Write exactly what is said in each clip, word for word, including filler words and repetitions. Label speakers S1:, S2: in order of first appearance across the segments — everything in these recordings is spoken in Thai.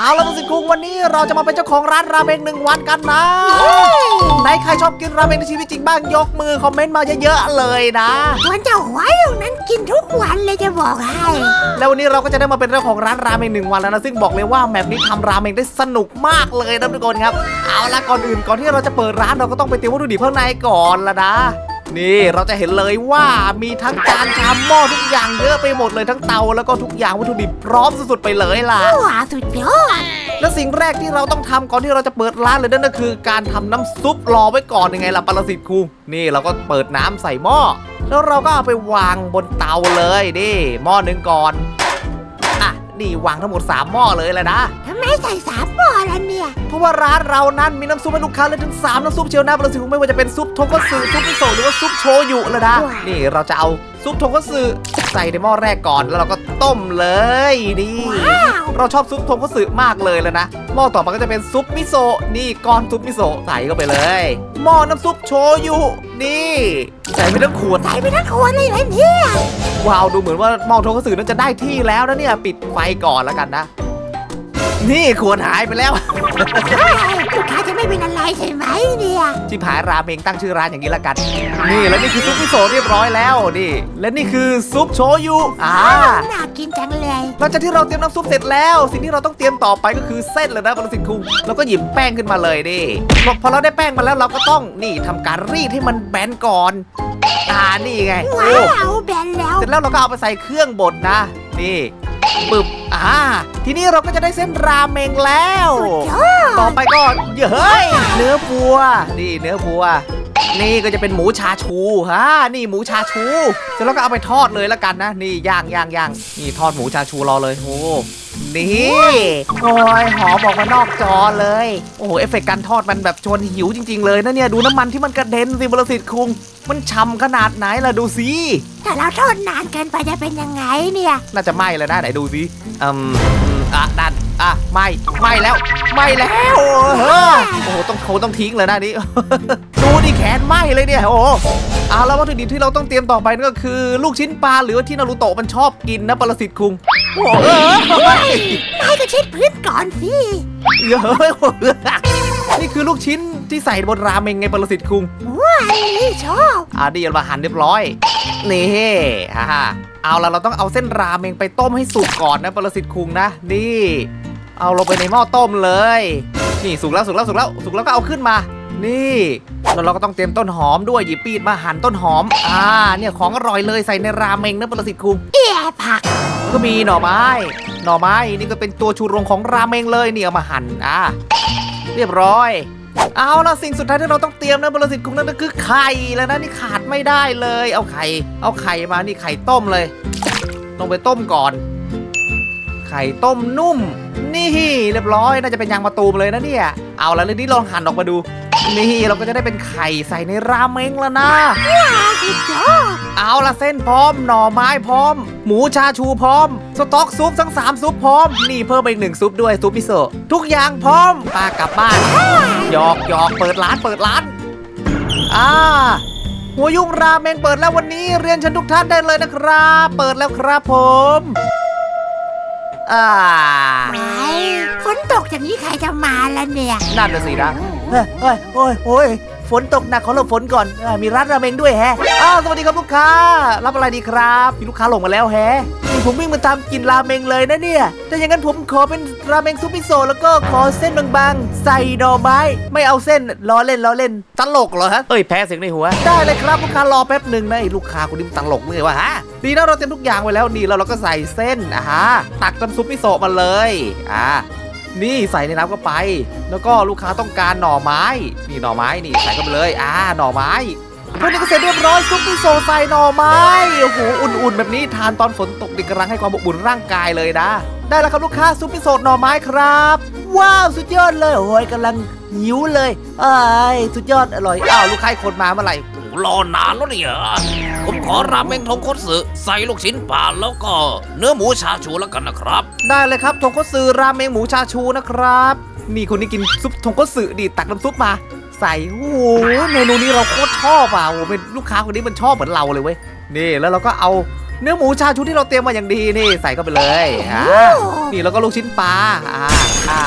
S1: เอาละสิคุงวันนี้เราจะมาเป็นเจ้าของร้านราเมงหนึ่งวันกันนะไหนใครชอบกินราเมงในชีวิตจริงบ้างยกมือคอมเมนต์มาเยอะๆเลยนะ
S2: วันเจ้าหัวอยู่นั้นกินทุกวันเลยจะบอกให้
S1: แล้ววันนี้เราก็จะได้มาเป็นเจ้าของร้านราเมงหนึ่งวันแล้วนะซึ่งบอกเลยว่าแมปนี้ทำราเมงได้สนุกมากเลยนะทุกคนครับเอาละก่อนอื่นก่อนที่เราจะเปิดร้านเราก็ต้องไปเตรียมวัตถุดิบข้างในก่อนละนะนี่เราจะเห็นเลยว่ามีทั้งจานชามหม้อทุกอย่างเยอะไปหมดเลยทั้งเตาแล้วก็ทุกอย่างวัตถุดิบพร้อมสุดๆไปเลยล่ะ
S2: ว้าสุดยอด
S1: และสิ่งแรกที่เราต้องทำก่อนที่เราจะเปิดร้านเลยนั่นก็คือการทำน้ำซุปรอไว้ก่อนยังไงล่ะปรสิตครูนี่เราก็เปิดน้ำใส่หม้อแล้วเราก็เอาไปวางบนเตาเลยนี่หม้อหนึ่งก่อนอ่ะนี่วางทั้งหมดสามหม้อเลยแหละนะ
S2: ทำไมใส่สามหม้อล่ะเนี่ย
S1: เพราะว่าร้านเรานั้นมีน้ำซุปให้ลูกค้าเลยถึงสามน้ำซุปเชียวนะปรสิตครูไม่ว่าจะเป็นซุปทงคัตสึซุปมิโซะหรือว่าซุปโชยุเลยนะนี่เราจะเอาซุปทงคัตสึใส่ในหม้อแรกก่อนแล้วเราก็ต้มเลยนี่เราชอบซุปทงคัตสึมากเลยแล้วนะหม้อต่อมาก็จะเป็นซุปมิโซะนี่ก้อนซุปมิโซะใส่เข้าไปเลยหม้อน้ำซุปโชยุนี่ใส่ไปทั้งขวด
S2: ใส่ไปทั้งขวดเลยเลยเนี่ย
S1: ว้าวดูเหมือนว่าหม้อทงคัตสึนั้นจะได้ที่แล้วนะเนี่ยปิดไฟก่อนแล้วกันนะนี่ขวดหายไปแล้ว
S2: ลูกค้าจะไม่เป็นอะไรใช่ไหมเนี่ย
S1: ชิบหายราเมงตั้งชื่อร้านอย่างนี้ละกันนี่แล้วนี่คือซุปมิโซะเรียบร้อยแล้วนี่และนี่คือซุปโชยุอ่า
S2: น่ากินจังเลย
S1: หลังจากที่เราเตรียมน้ำซุปเสร็จแล้วสิ่งที่เราต้องเตรียมต่อไปก็คือเส้นเลยนะปรสิตครูเราก็หยิบแป้งขึ้นมาเลยนี่พอเราได้แป้งมาแล้วเราก็ต้องนี่ทำการรีดให้มันแบนก่อนอ่านี่ไง
S2: ว้าวแบนแล้ว
S1: เสร็จแล้วเราก็เอาไปใส่เครื่องบดนะนี่ปึ๊บอ่าทีนี้เราก็จะได้เส้นราเมงแล้วต่อไปก็เฮ้ยเนื้อวัวนี่เนื้อวัวนี่ก็จะเป็นหมูชาชูฮะนี่หมูชาชูเสร็จแล้วก็เอาไปทอดเลยแล้วกันนะนี่ย่างย่างย่างนี่ทอดหมูชาชูรอเลยโอ้นี่โอ้ยหอมออกมานอกจอเลยโอ้โหเอฟเฟกต์การทอดมันแบบชวนหิวจริงๆเลยนะเนี่ยดูน้ำมันที่มันกระเด็นสิบรสิตคุงมันฉ่ำขนาดไหนล่ะดูสิ
S2: ถ้าเราทอดนานเกินไปจะเป็นยังไงเนี่ย
S1: น่าจะไหม้แล้วนะไหนดูสิอืมอ่ะนั่นอ่ะไหม้ไหม้แล้วไหม้แล้วโอ้โหต้องโคต้องทิ้งเลยนะนี่ดูดิแขนไหม้เลยเนี่ยโอ้เอาแล้ววัตถุดิบที่เราต้องเตรียมต่อไปนั่นก็คือลูกชิ้นปลาหรือว่าที่นารูโตะมันชอบกินนะปรสิตคุงโอ้เอ
S2: อก็เช็ดพื้นก่อนสิ
S1: เฮ้ยนี่คือลูกชิ้นที่ใส่บนราเมงไงปรสิตคุง
S2: ว้าวนี่ชอบ
S1: อ่ะดีมาหั่นเรียบร้อยนี่ฮ่าเอาละเราต้องเอาเส้นราเมงไปต้มให้สุกก่อนนะปรสิตคุงนะนี่เอาลงไปในหม้อต้มเลยนี่สุกแล้วสุกแล้วสุกแล้วสุกแล้วก็เอาขึ้นมานี่แล้วเราก็ต้องเตรียมต้นหอมด้วยหยิบปีดมาหั่นต้นหอมอ่าเนี่ยของอร่อยเลยใส่ในราเมงนะปรสิตคุง
S2: เอี่ยผัก
S1: ก็มีหน่อไม้หน่อไม้นี่ก็เป็นตัวชูโรงของราเมงเลยนี่เอามาหั่นอ่าเรียบร้อยเอาละสิ่งสุดท้ายที่เราต้องเตรียมนะปรสิตคุงนั่นก็คือไข่แล้วนะนี่ขาดไม่ได้เลยเอาไข่เอาไข่มานี่ไข่ต้มเลยลงไปต้มก่อนไข่ต้มนุ่มนี่เรียบร้อยน่าจะเป็นยางมะตูมเลยนะเนี่ยเอาละเรื่องนี้ลองหั่นออกมาดูนี่เราก็จะได้เป็นไข่ใส่ในราเมงแล้วนะ
S2: ว้าวสุดยอด
S1: เอาละเส้นพร้อมหน่อไม้พร้อมหมูชาชูพร้อมสต๊อกซุปทั้งสามซุปพร้อมนี่เพิ่มไปอีกหนึ่งซุปด้วยซุปมิโซะทุกอย่างพร้อมปากลับบ้านหยอกหยอกเปิดร้านเปิดร้านอ่าหัวยุ่งราเมงเปิดแล้ววันนี้เรียนเชิญทุกท่านได้เลยนะครับเปิดแล้วครับผมอ่า
S2: ฝนตกอย่างนี้ใครจะมาแล้วเนี่ย
S1: นั่นน่ะสินะเฮ้ยเฮ้ยโอ้ยโอ้ยฝนตกหนักขอหลบฝนก่อนมีร้านราเมงด้วยแฮะอ้าวสวัสดีครับลูกค้ารับอะไรดีครับมีลูกค้าหลงมาแล้วแฮะนี่ผมวิ่งมาตามกินราเมงเลยนะเนี่ยแต่อย่างนั้นผมขอเป็นราเมงซุปมิโซะแล้วก็ขอเส้นบางๆใส่หน่อไม้ไม่เอาเส้นล้อเล่นล้อเล่นตลกเหรอฮะเอ้ยแพ้เสียงในหัวได้เลยครับลูกค้ารอแป๊บหนึ่งนะไอ้ลูกค้าคนนี้มันตลกเลยวะฮะดีนะเราเตรียมทุกอย่างไว้แล้วนี่แล้วเราก็ใส่เส้นอ่ะฮะตักน้ำซุปมิโซะมาเลยอ่านี่ใส่ในน้ำก็ไปแล้วก็ลูกค้าต้องการหน่อไม้นี่หน่อไม้นี่ใส่เข้าไปเลยอ่าหน่อไม้พวกนี้ก็เสร็จเรียบร้อยซุปมิโซะใส่หน่อไม้โอ้โหอุ่นๆแบบนี้ทานตอนฝนตกดีกำลังให้ความอบอุ่นร่างกายเลยนะได้แล้วครับลูกค้าซุปมิโซะหน่อไม้ครับว้าวสุดยอดเลยโอ้ยกำลังหิวเลยเอ้ยสุดยอดอร่อยอ้าวลูกค้าคนมาเมื่อไหร่
S3: รอนานแล้วเนี่ยผมขอราเมงทงคัตสึใส่ลูกชิ้นปลาแล้วก็เนื้อหมูชาชูแล้วกันนะครับ
S1: ได้เลยครับทงคัตสึราเมงหมูชาชูนะครับนี่คนนี้กินซุปทงคัตสึดีตักน้ำซุปมาใส่โอ้โหเมนูนี้เราโคตรชอบอ่ะโอ้เป็นลูกค้าคนนี้มันชอบเหมือนเราเลยเว้ยนี่แล้วเราก็เอาเนื้อหมูชาชูที่เราเตรียมมาอย่างดีนี่ใส่เข้าไปเลยอ่านี่แล้วก็ลูกชิ้นปลาอ่าอ่า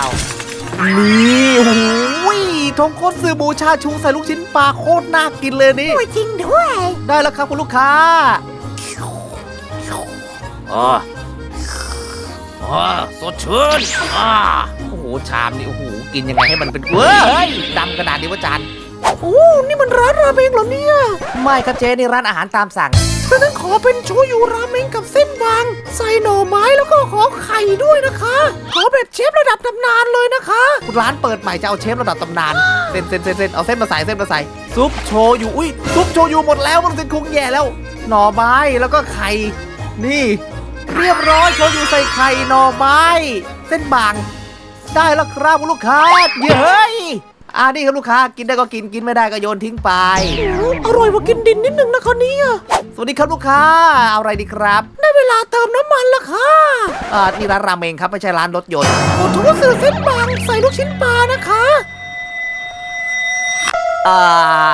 S1: นี่โอ้ยทงคัตสึหมูชาชูใส่ลูกชิ้นปลาโคตรน่ากินเลยนี่
S2: โอ้ยจริงด้วย
S1: ได้แล้วครับคุณลูกค้า
S3: อ๋ออ๋อสดชื่นอ่า
S1: โอ้โหชามนี่โอ้โหกินยังไงให้มันเป็นเว้ยดำขนาดนี้วะจาน
S2: โอ้นี่มันร้านราเมงเหรอเนี่ย
S1: ไม่ครับเจ๊นี่ร้านอาหารตามสั่ง
S2: ฉะนั้นขอเป็นโชยุราเมงกับเส้นบาง ใส่หน่อไม้แล้วก็ขอไข่ด้วยนะคะ ขอแบบเชฟระดับตำนานเลยนะคะ
S1: ร้านเปิดใหม่จะเอาเชฟระดับตำนานเส้นเส้นเส้นเส้นเอาเส้นมาใส่เส้นมาใส่ซุปโชยุอุ้ยซุปโชยุหมดแล้วมันเป็นคุงแย่แล้ว หน่อไม้แล้วก็ไข่นี่ เรียบร้อยโชยุใส่ไข่หน่อไม้ เส้นบาง ได้แล้วครับคุณลูกค้าเย้ยอ่านี่ครับลูกค้ากินได้ก็กินกินไม่ได้ก็โยนทิ้งไป
S2: อร่อยกว่ากินดินนิดนึงนะคะเนี่ย
S1: สวัสดีครับลูกค้าเอาอะไรดีครับ
S2: ได้เวลาเติมน้ำมันละค่ะ
S1: อ่านี่ร้านราเมงครับไม่ใช่ร้านรถยนต์
S2: ขอโทษสื่อเส้นบางใส่ลูกชิ้นปลานะคะ
S1: อ่าน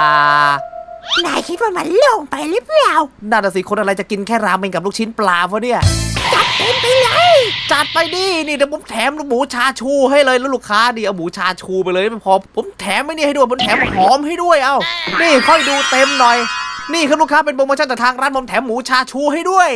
S2: ายคิดว่ามันโล่งไปหรือเปล่า
S1: น่าจะสิคนอะไรจะกินแค่ราเมงกับลูกชิ้นปลาวะเนี่ย
S2: จัดเต็มไปเลย
S1: จัดไปดินี่เดี๋ยวผมแถมหมูชาชูให้เลยแล้วลูกค้าดิเอาหมูชาชูไปเลยไม่พอผมแถมไม่นี่ให้ด้วยผมแถมหอมให้ด้วยเอ้านี่ค่อยดูเต็มหน่อย นี่ครับลูกค้าเป็นโปรโมชั่นจากทางร้านผมแถมหมูชาชูให้ด้วย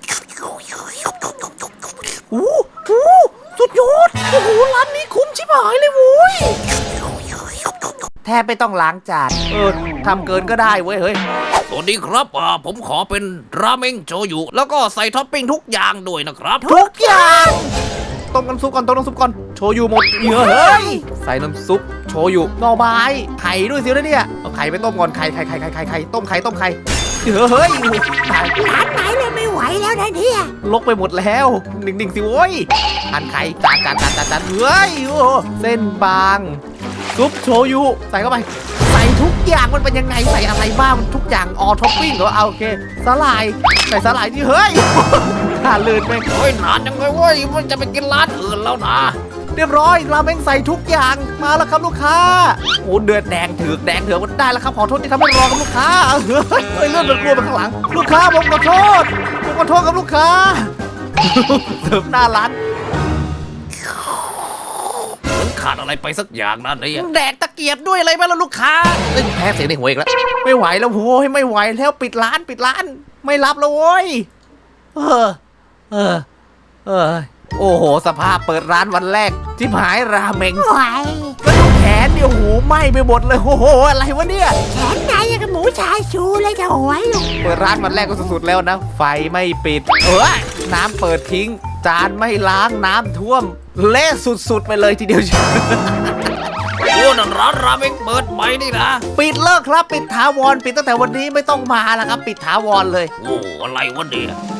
S1: อู้หูสุดยอดโอ้โหร้านนี้คุ้มชิบหายเลยโว้ยแทบไม่ต้องล้างจานเออทำเกินก็ได้เว้ยเฮ้ย
S3: สวัสดีครับอ่าผมขอเป็นราเมงโชยุแล้วก็ใส่ท็อปปิ้งทุกอย่างด้วยนะครับ
S1: ทุกอย่างต้มน้ำซุปก่อนต้มน้ำซุปก่อนโชยุหมดเยอะเฮ้ยใส่น้ำซุปโชยุหน่อไม้ไข่ด้วยสินะเนี่ยเอาไข่ไปต้มก่อนไข่ไข่ไข่ไข่ไข่ไข่ต้มไข่ต้มไข่เยอะเฮ้ยตาย
S2: ร้านไหนเลยไม่ไหวแล้วนะเนี่ย
S1: ลกไปหมดแล้วนิ่งๆสิโว้ยทานไข่จานจานจานจานจานเฮ้ยโอ้เส้นบางซุปโชยุใส่เข้าไปใส่ทุกอย่างมันเป็นยังไงใส่อะไรบ้างทุกอย่างออท็อปปิ้งเหรอเอาโอเคสาหร่ายใส่สาหร่ายที่เฮ้ย น่าลื่นไป
S3: โอ้ยนานยังไงเว้ยมันจะไปกินร้านอื่นแล้วนะ
S1: เรียบร้อยราเมงใส่ทุกอย่างมาแล้วครับลูกค้าโอ้เดือดแดงถือกแดงเถือกได้แล้วครับขอโทษที่ทำให้รอครับลูกค้าเฮ้ยเฮ้ยเลื่อนมันกลัวไปข้างหลัง ลูกค้าผมขอโทษผมขอโทษครับลูกค้า เสิร์ฟหน้าร้าน
S3: เหมือนขาดอะไรไปสักอย่างนั่นเนี่ย
S1: แดกตะเกียบด้วยอะไรไหมล่ะลูกค้าเอ้ยแพ้เสียงในหัวอีกแล้วไม่ไหวแล้วโว้ยไม่ไหวแล้วปิดร้านปิดร้าน ไม่รับแล้วโว้ยเออเออเออโอ้โหสภาพเปิดร้านวันแรกที่หายราเมง
S2: ไหว
S1: ก็ดูแขนเนี่ยโอ้โหไหม้ไปหมดเลยโอ้โหอะไรวะเนี่ย
S2: แขนนายยังกับหมูชาชูเลยจะโหย
S1: เปิดร้านวันแรกก็สุดๆแล้วนะ ไฟไม่ปิด เออน้ำเปิดทิ้ง จานไม่ล้างน้ำท่วม เละสุดๆไปเลยทีเดียว
S3: โอ้นั่นร้านราเมงเปิดใหม่นี่นะ
S1: ปิดเลิกครับ ปิดถาวรปิดตั้งแต่วันนี้ไม่ต้องมาแล้วครับ ปิดถาวรเลย
S3: โอ้อะไรวะเนี่ย